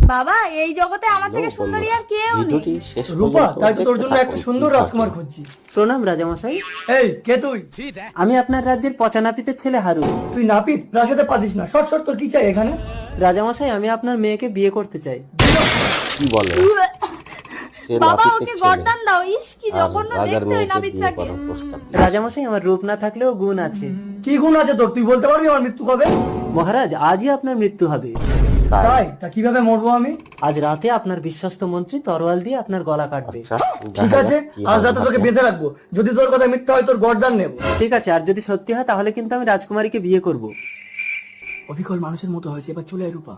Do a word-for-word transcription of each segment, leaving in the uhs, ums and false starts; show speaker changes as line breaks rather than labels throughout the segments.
বাবা এই জগতে আমার থেকে সুন্দরী আর কেউ নেই।
রূপা, তাই তো তোর জন্য একটা সুন্দর রাজকুমার খুঁজছি।
প্রণাম রাজামশাই।
এই কে তুই?
আমি আপনার রাজ্যের পচা নাপিতের ছেলে হারু।
তুই নাপিত প্রাসাদে পারিস না, শর্ট শর্ট তোর কি চাই এখানে?
রাজামশাই আমি আপনার মেয়েকে বিয়ে করতে চাই।
কি বলে?
বাবা ওকে গর্দান দাও। ইস কি জঘন্য দেখতে ওই নাপিতটাকে।
রাজামশাই আমার রূপ না থাকলেও গুণ আছে।
কি গুণ আছে তোর? তুই বলতে পারবি আমার মৃত্যু কবে?
মহারাজ আজই আপনার মৃত্যু হবে।
তাই? তা কিভাবে মরবো আমি?
আজ রাতে আপনার বিশ্বস্ত মন্ত্রী তরোয়াল দিয়ে আপনার গলা কাটবে।
ঠিক আছে, আজ রাতে তোকে বেঁধে রাখবো। যদি তোর কথা মিথ্যা হয় তোর গর্দান নেব।
ঠিক আছে, আর যদি সত্যি হয় তাহলে কিন্তু আমি রাজকুমারীকে বিয়ে করব।
অবিকল মানুষের মতো হয়েছে, এবার চলে আয় রূপা।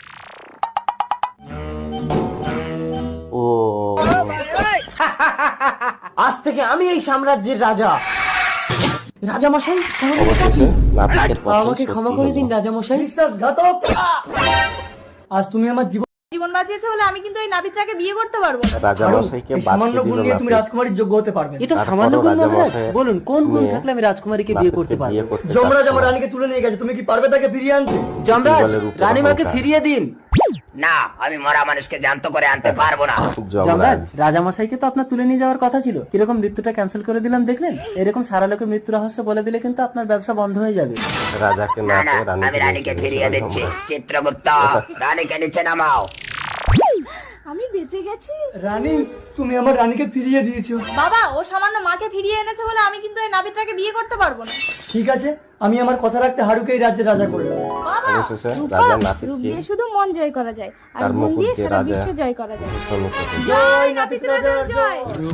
ও
আজ থেকে আমি এই সাম্রাজ্যের রাজা। রাজামশাই
অবশেষে নাপিতের কথা
আমাকে ক্ষমা করে দিন রাজামশাই।
বিশ্বাসঘাতক! আজ তুমি আমার জীবন
জীবন বাঁচিয়েছে বলে আমি কিন্তু এই নাপিতটাকে বিয়ে করতে পারবো না।
রাজামশাইকে
এই সামান্য
বাঁচিয়ে
গুণ
দিল
নিয়ে তুমি
নাপিত।
রাজকুমারীর যোগ্য হতে পারবে না।
এটা
তারপরও
সামান্য গুণ মহারাজ?
রাজামশাই
বলুন কোন গুণ
নিয়ে
থাকলে আমি রাজকুমারীকে বিয়ে করতে
নাপিতকে
পারবো?
বিয়ে করতে
যমরাজ
চাচ্ছে
আমার
না।
রানীকে তুলে নিয়ে গেছে, তুমি কি পারবে তাকে ফিরিয়ে আনতে?
যমরাজ
বলে রূপের
রানীমাকে
অহংকার।
ফিরিয়ে দিন।
না, আমি মরা মানুষকে জ্যান্ত করে আনতে পারবো না।
যমরাজ
যমরাজ
রাজামশাইকে তো আপনার তুলে নিয়ে যাওয়ার কথা ছিল, কিরকম মৃত্যুটা ক্যান্সেল করে দিলাম দেখলেন? এরকম সারা লোকের মৃত্যু রহস্য বলে দিলে কিন্তু আপনার ব্যবসা বন্ধ হয়ে যাবে।
রাজাকে না
না না,
পেয়ে
আমি রানীকে ফিরিয়ে দিচ্ছি। চিত্রগুপ্ত, রানীকে নিচে নামাও।
আমি বেঁচে গেছি।
রানী, তুমি আমার রানীকে ফিরিয়ে দিয়েছো।
বাবা ও সামান্য মাকে ফিরিয়ে এনেছে বলে আমি কিন্তু এই নাপিতটাকে বিয়ে করতে পারবো না।
ঠিক আছে, আমি আমার কথা রাখতে হারুকে এই রাজ্যের রাজা করলাম।
বাবা
অবশেষে
রূপা,
রাজা
রূপ
নাপিতকে
দিয়ে শুধু মন জয় করা যায় আর
তার
মন
মুকুট
দিয়ে
দিয়ে
সারা
রাজা
বিশ্ব জয় করা যায়।
সম্মুখে দিল।
জয় নাপিত রাজার জয়।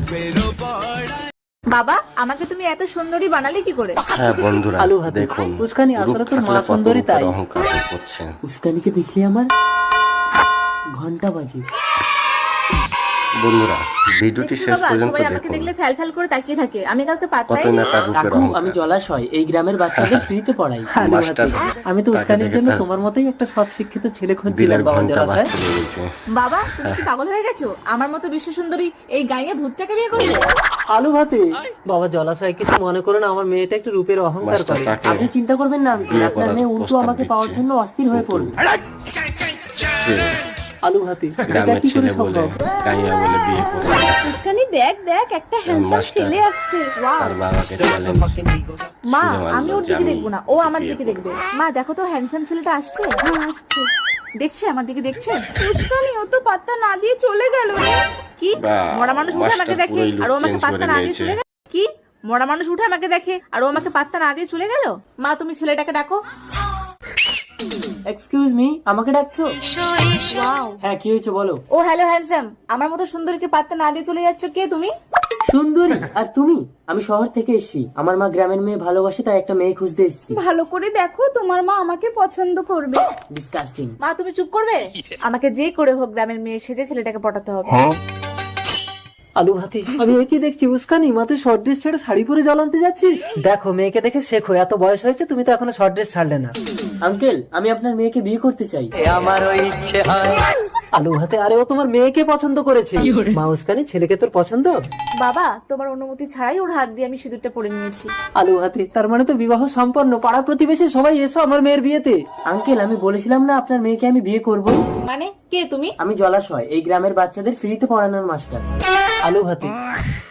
বাবা আমাকে তুমি এত সুন্দরী বানালে কি করে?
হ্যাঁ বন্ধুরা,
আলু হাতে।
দেখুন
উস্কানি,
রূপ
আসলে তোর মা
থাকলে কত
সুন্দরী
রূপের
তাই।
অহংকার করছে।
উস্কানিকে দেখলে আমার ঘন্টা বাজে।
বন্ধুরা ভিডিওটি
দেখছি
শেষ
বাবা,
পর্যন্ত
সবাই আমাকে
দেখুন।
দেখলে ফ্যাল ফ্যাল করে তাকিয়ে থাকে। আমি কাউকে পাত্তাই
কতই
দিই
না
না।
তার রূপের
কাকু আমি
অহংকার।
জলাশয় এই গ্রামের বাচ্চাদের ফ্রিতে পড়াই। আলু
মাস্টার
হাতে। আমি তো
তাকে
উস্কানির
দেখে
জন্য
তার
তোমার মতোই একটা সৎ শিক্ষিত ছেলে খুঁজছিলাম
দিলের
বাবা
ঘন্টা
জলাশয়।
বাজতে লেগেছে।
বাবা তুমি কি পাগল হয়ে গেছো? আমার মতো বিশ্ব সুন্দরী এই গাইয়ে ভূতটাকে বিয়ে করবে?
আলু ভাতে। বাবা জলাশয় কিছু মনে করো না, আমার মেয়েটা একটু রূপের অহংকার
মাস্টার
করে।
তাকে
আপনি চিন্তা করবেন না,
বিয়ে
আপনার
করার
মেয়ে উল্টো
প্রস্তাব
আমাকে পাওয়ার
দিচ্ছে।
জন্য অস্থির হয়ে পড়বে।
সে
আলু ভাতে এটা
গ্রামের
কি করে
ছেলে বলে
সম্ভব?
গাইয়া বলে বিয়ে করবে।
উস্কানি দেখ দেখ একটা হ্যান্ডসাম
মাস্টার
ছেলে আসছে। ওয়াও
তার বাবাকে চ্যালেঞ্জ
মা
শুনে মানলো
আমি ওর
যে
দিকে
আমি
দেখবো না, ও আমার
বিয়ে
দিকে
করবো।
দেখবে। মা দেখো তো হ্যান্ডসাম ছেলেটা আসছে। হ্যাঁ আসছে। দেখছে আমার দিকে দেখছে। উস্কানি ও তো পাত্তা না দিয়ে চলে গেল রে। কি
বাহ,
মরা মানুষ উঠে আমাকে
মাস্টার
দেখে
পুরোই
আর ও
look
আমাকে
change
পাত্তা
করে
না দিয়ে
দিয়েছে।
চলে গেল? কি মরা মানুষ উঠে আমাকে দেখে আর ও আমাকে পাত্তা না দিয়ে চলে গেল? মা তুমি ছেলেটাকে ডাকো।
এক্সকিউজ মি, আমাকে ডাকছো?
ওয়াও
হ্যাঁ কি হয়েছে বলো।
ও হ্যালো হ্যান্ডসাম, আমার মতো সুন্দরীকে পাত্তা না দিয়ে চলে যাচ্ছ। কে তুমি?
সুন্দরী আর তুমি? আমি শহর থেকে এসেছি, আমার মা গ্রামের মেয়ে ভালোবাসে তাই একটা মেয়ে খুঁজতে এসেছি।
ভালো করে দেখো তোমার মা আমাকে পছন্দ করবে।
ডিসকাস্টিং।
মা তুমি চুপ করবে? আমাকে যে করে হোক গ্রামের মেয়ে সেজে ছেলেটাকে পটাতে হবে।
আলু ভাতে। আমি ওই কি দেখছি উস্কানি মাথায় শর্ট ড্রেস ছেড়ে শাড়ি পরে জল আনতে যাচ্ছিস? দেখো মেয়েকে দেখে শেখো, এত বয়স হয়েছে তুমি তো এখনো শর্ট ড্রেস ছাড়লে না। আঙ্কেল আমি আপনার মেয়েকে বিয়ে করতে চাই। আমারও ইচ্ছে হয়। আলু ভাতে আরে ও তোমার মেয়েকে পছন্দ করেছে। মা উস্কানি ছেলেকে তোর পছন্দ?
বাবা তোমার অনুমতি ছাড়াই ওর হাত দিয়ে আমি সিঁদুরটা পরে নিয়েছি।
আলু হাতে তার মানে তো বিবাহ সম্পন্ন। পাড়া প্রতিবেশী সবাই এসো আমার মেয়ের বিয়েতে। আঙ্কেল আমি বলেছিলাম না আপনার মেয়েকে আমি বিয়ে করব।
মানে কে তুমি?
আমি জলাশয় এই গ্রামের বাচ্চাদের ফ্রিতে পড়ানোর মাস্টার। আলু হাতে